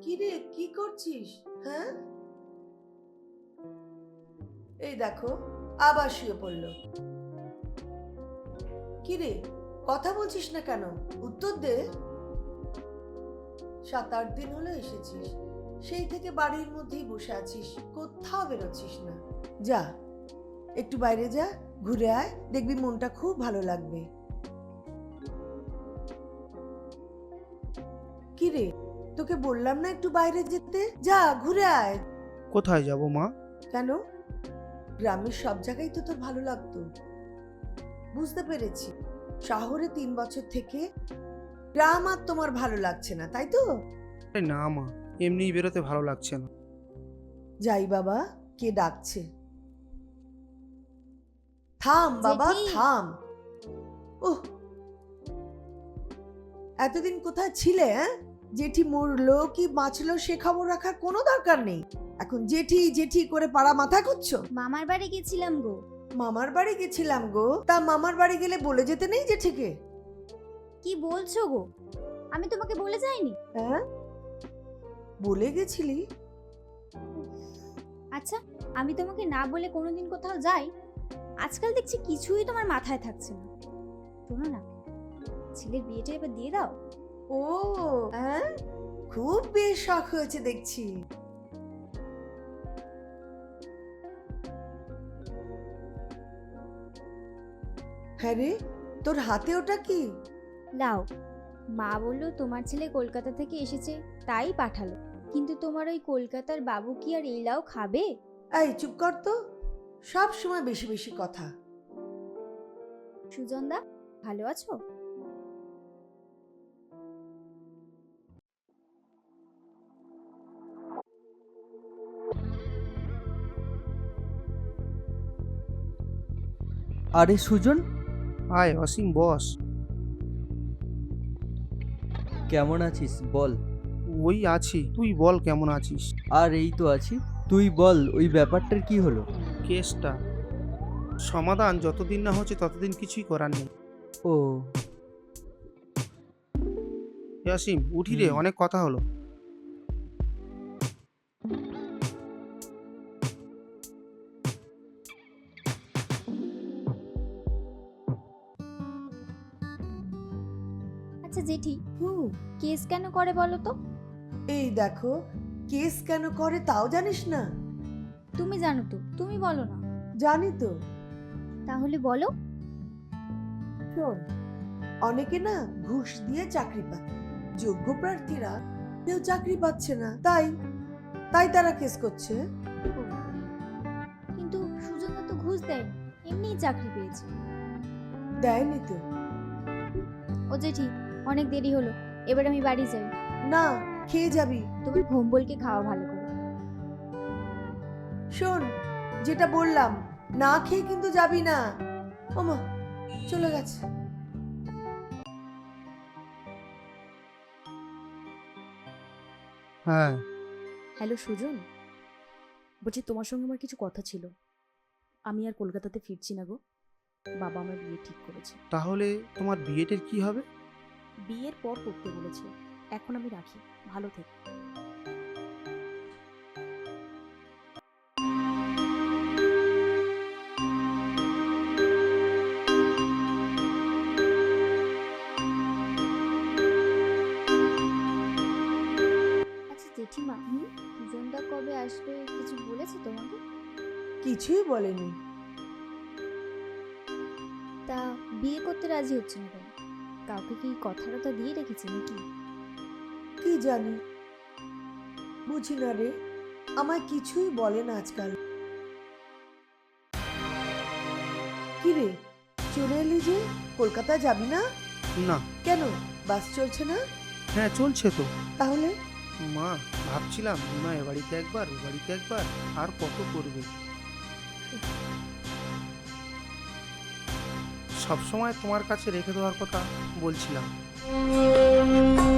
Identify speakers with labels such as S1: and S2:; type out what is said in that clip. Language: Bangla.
S1: কি রে, কি করছিস? হ্যাঁ, এই দেখো আবার শুয়ে পড়লো। কি রে, কথা বলছিস না কেন? উত্তর দে। 7-8 দিন হলো এসেছিস, সেই থেকে বাড়ির মধ্যেই বসে আছিস, কোথাও বেরোচ্ছিস না। যা, একটু বাইরে যা, ঘুরে আয়, দেখবি মনটা খুব ভালো লাগবে। কি রে, তোকে বললাম না একটু বাইরে যেতে? যা, ঘুরে আয়।
S2: কোথায় যাব মা?
S1: কেন? গ্রামের সব জায়গায় তো তোর ভালো লাগতো। বুঝতে পেরেছি, শহরে 3 বছর থেকে গ্রাম আর তোমার ভালো লাগছে না, তাই তো?
S2: আরে না মা, এমনিই বেরোতে ভালো লাগছে না।
S1: যাই বাবা, কে ডাকছে? থাম বাবা,
S3: জেঠি।
S1: থাম। ওহ, এতদিন কোথায় ছিলে? জেঠি মরলো কি বাঁচলো সে খবর রাখার কোনো দরকার নেই। এখন জেঠি জেঠি করে পাড়া মাথা করছো।
S3: মামার বাড়ি গেছিলাম গো।
S1: মামার বাড়ি গেছিলাম গো? তা মামার বাড়ি গেলে বলে যেতে নেই জেঠিকে?
S3: কি বলছো গো? আমি তোমাকে বলে যাইনি।
S1: হ্যাঁ, বলে গেছিলি।
S3: আচ্ছা, আমি তোমাকে না বলে কোনোদিন কোথাও যাই? আজকাল দেখছি কিছুই তোমার মাথায় থাকছে না। শোনো না, ছেলের বিয়েটা এবার দিয়ে দাও।
S1: ও হ্যাঁ, খুব বেশ শখ হয়েছে দেখছি। হ্যাঁ রে, তোর হাতে ওটা কি?
S3: লাও। মা বললো তোমার ছেলে কলকাতা থেকে এসেছে, তাই পাঠালো। কিন্তু তোমার ওই কলকাতার বাবু কি আর এই লাউ খাবে?
S1: এই চুপ কর তো, সব সময় বেশি বেশি কথা।
S3: সুজনদা, ভালো আছো?
S4: আরে সুজন,
S2: আয় অসীম, বস।
S4: কেমন আছিস বল?
S2: ওই আছি, তুই বল কেমন আছিস?
S4: আর এই তো আছি। তুই বল, ওই ব্যাপারটার কি হলো?
S2: কেসটা সমাধান যতদিন না হচ্ছে ততদিন কিছুই করার নেই।
S4: ও,
S2: অসীম উঠি রে, অনেক কথা হলো।
S3: আচ্ছা জেঠি, কেস কেন করে বলো তো?
S1: এই দেখো, কেস কেন করে তাও জানিস না?
S3: তুমি জানো তো, তুমি বলো না।
S1: জানি তো।
S3: তাহলে বলো।
S1: শোন, অনেকে না ঘুষ দিয়ে চাকরি পায়, যোগ্য প্রার্থীরা কেউ চাকরি পাচ্ছে না, তাই তাই তারা কেস করছে।
S3: ও, কিন্তু সুজনদা তো ঘুষ দেয়নি, এমনিই চাকরি পেয়েছে।
S1: দেয়নি তো?
S3: ও জেঠি, অনেক দেরি হলো, এবার আমি বাড়ি যাই।
S1: না, খেয়ে যাবি।
S3: তোমার ভোম্বলকে খাওয়া ভালো করে।
S1: শোন, যেটা বললাম, না খেয়ে কিন্তু যাবি না। ওমা, চলে গেছে।
S2: হ্যাঁ,
S5: হ্যালো সুজন, বলছি তোমার সঙ্গে আমার কিছু কথা ছিল। আমি আর কলকাতাতে ফিরছি না গো, বাবা আমার বিয়ে ঠিক করেছে।
S2: তাহলে তোমার বিয়েটের কি হবে?
S5: বিয়ের পর করতে বলেছে। এখন আমি রাখি, ভালো থেকো।
S3: আচ্ছা জেঠিমা, সুজনদা কবে আসবে কিছু বলেছে তোমাকে?
S1: কিছুই বলেনি।
S3: তা বিয়ে করতে রাজি হচ্ছে না কেন? কাউকে কি কথা দিয়ে রেখেছে নাকি?
S1: কি জানি, বুঝি না রে, আমায় কিছুই বলে না আজকাল। কি রে, চলে এলি যে? কলকাতা যাবি না?
S2: না।
S1: কেন, বাস চলছে না?
S2: হ্যাঁ চলছে তো।
S1: তাহলে
S2: মা, ভাবছিলাম না এ বাড়িতে একবার ও বাড়িতে একবার, আর কত করবে। সবসময় তোমার কাছে রেখে দেওয়ার কথা বলছিলাম।